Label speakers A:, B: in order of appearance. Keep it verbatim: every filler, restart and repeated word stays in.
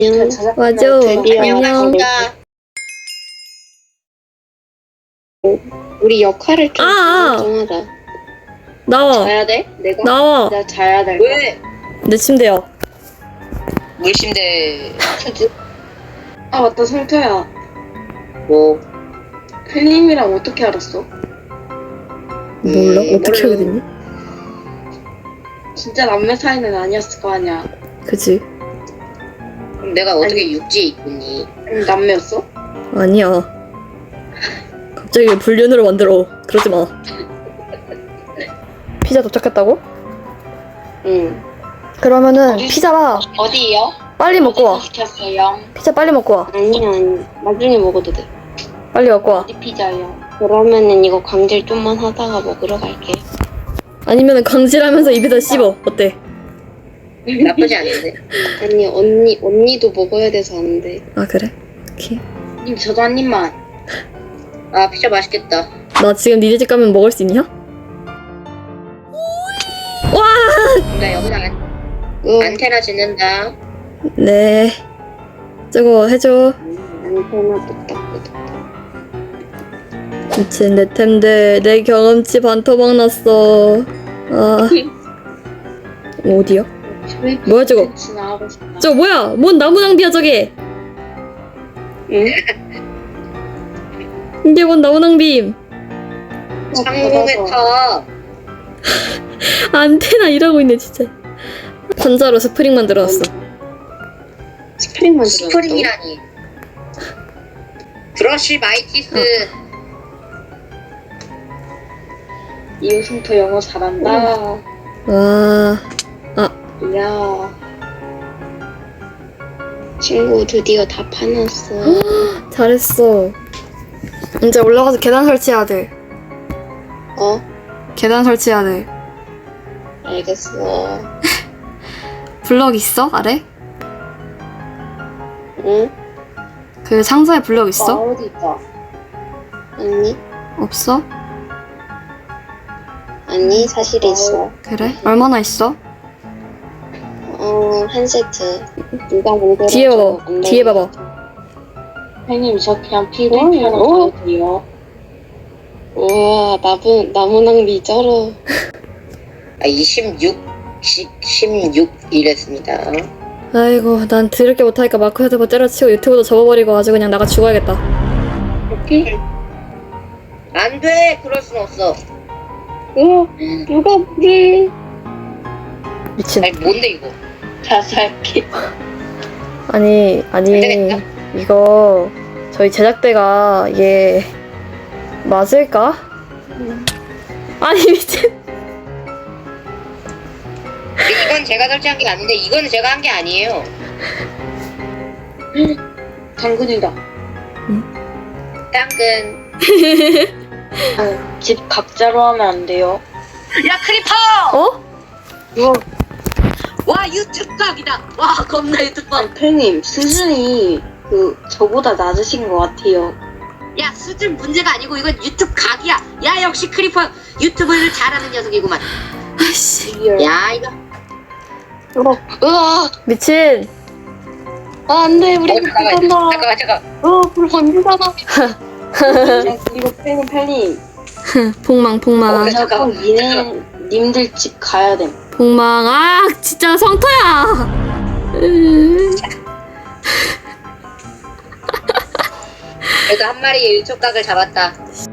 A: 응,
B: 맞아.
A: 드디어
B: 안녕.
A: 안녕. 우리 역할을 좀
B: 아, 아.
A: 정하자.
B: 나와.
A: 자야 돼? 내가?
B: 나와.
A: 나 자야 될
C: 왜?
B: 내 침대야.
C: 물침대
A: 거야. 아 맞다 성태야.
C: 뭐
A: 펠님이랑 어떻게 알았어?
B: 몰라?
C: 음,
B: 어떻게
C: 몰라.
B: 하게 됐니?
A: 진짜 남매 사이는 아니었을 거 아니야.
B: 그치?
C: 그럼 내가 어떻게 육지에 있겠니?
A: 응, 남매였어?
B: 아니야. 갑자기 왜 불륜으로 만들어. 그러지 마. 피자 도착했다고?
A: 응.
B: 그러면은
A: 어디-
B: 피자
A: 어디요?
B: 빨리 먹고 와.
A: 어디서 시켰어요?
B: 피자 빨리 먹고 와.
A: 아니 아니 나중에 먹어도 돼.
B: 빨리 먹고 와.
A: 어디 피자요? 그러면은 이거 광질 좀만 하다가 먹으러 갈게.
B: 아니면은 광질하면서 입에다 씹어. 어때?
C: 나쁘지 않은데.
A: 아니 언니 언니도 먹어야 돼서 안 돼.
B: 아 그래? 오케이.
A: 님 저도 한 입만.
C: 아 피자 맛있겠다.
B: 나 지금 니네 집 가면 먹을 수 있냐? 와!
C: 나 여기다 안,
A: 응.
C: 안테나 짓는다.
B: 네. 저거 해줘.
A: 안테나 똑딱똑딱.
B: 미친 내 템들 내 경험치 반토막 났어. 아 어디야? 뭐야, 저거?
A: 나가고 싶다.
B: 저 뭐야? 뭔 나무 낭비야 저게?
A: 응?
B: 이게 뭔 나무 낭비임?
C: 상공의 탑.
B: 안테나 일하고 있네 진짜. 관자로 스프링 만들어놨어.
A: 스프링 만들어.
C: 스프링이라니. 브러쉬 마이티스.
A: 이호승터 영어 잘한다.
B: 와.
A: 이야. 친구 드디어 다 파놨어.
B: 잘했어. 이제 올라가서 계단 설치해야 돼.
A: 어?
B: 계단 설치해야 돼.
A: 알겠어.
B: 블럭 있어? 아래?
A: 응?
B: 그 상자에 블럭 있어?
A: 어디 있다. 아니,
B: 없어?
A: 아니 사실 있어.
B: 그래? 얼마나 있어?
A: 어, 한 세트. 누가 만들어?
B: 뒤에 봐봐. 뒤에 봐봐.
A: 형님 저 그냥 피부이 하나 더 돼요. 우와 나무 나무 낭비 쩔어.
C: 아 이십육, 십육 이랬습니다.
B: 아이고 난 들을 게 못하니까 마크 헤드버 때려치고 유튜브도 접어버리고 아주 그냥 나가 죽어야겠다.
A: 이렇게?
C: 안 돼. 그럴 순 없어.
A: 어 누가 우리
B: 미친.
C: 아니 뭔데 이거?
A: 자살기.
B: 아니 아니
C: 되겠다.
B: 이거 저희 제작대가 이게 맞을까? 아니 미친.
C: 이건 제가 설치한 게 아닌데 이건 제가 한 게 아니에요.
A: 당근이다.
C: 당근.
A: 아, 집 각자로 하면 안 돼요.
C: 야 크리퍼!
B: 어?
A: 누가?
C: 와 유튜브 각이다. 와 겁나 유튜브.
A: 아, 팬님 수준이 그 저보다 낮으신 것 같아요.
C: 야 수준 문제가 아니고 이건 유튜브 각이야. 야 역시 크리퍼 유튜브를 잘하는 녀석이구만.
B: 아이씨.
C: 야 이거.
A: 어, 으아,
B: 미친.
A: 아, 안 돼, 우리
C: 어,
A: 불
C: 잠깐만
A: 간다.
C: 잠깐만 잠깐.
A: 어, 불 번지잖아. 이거 팬님, 팬님.
B: 폭망 폭망
C: 어,
A: 제가 꼭 니네, 님들 집 가야 돼.
B: 폭망. 아 진짜 성토야. 으.
C: 그래도 한 마리의 유튜브 각을 잡았다.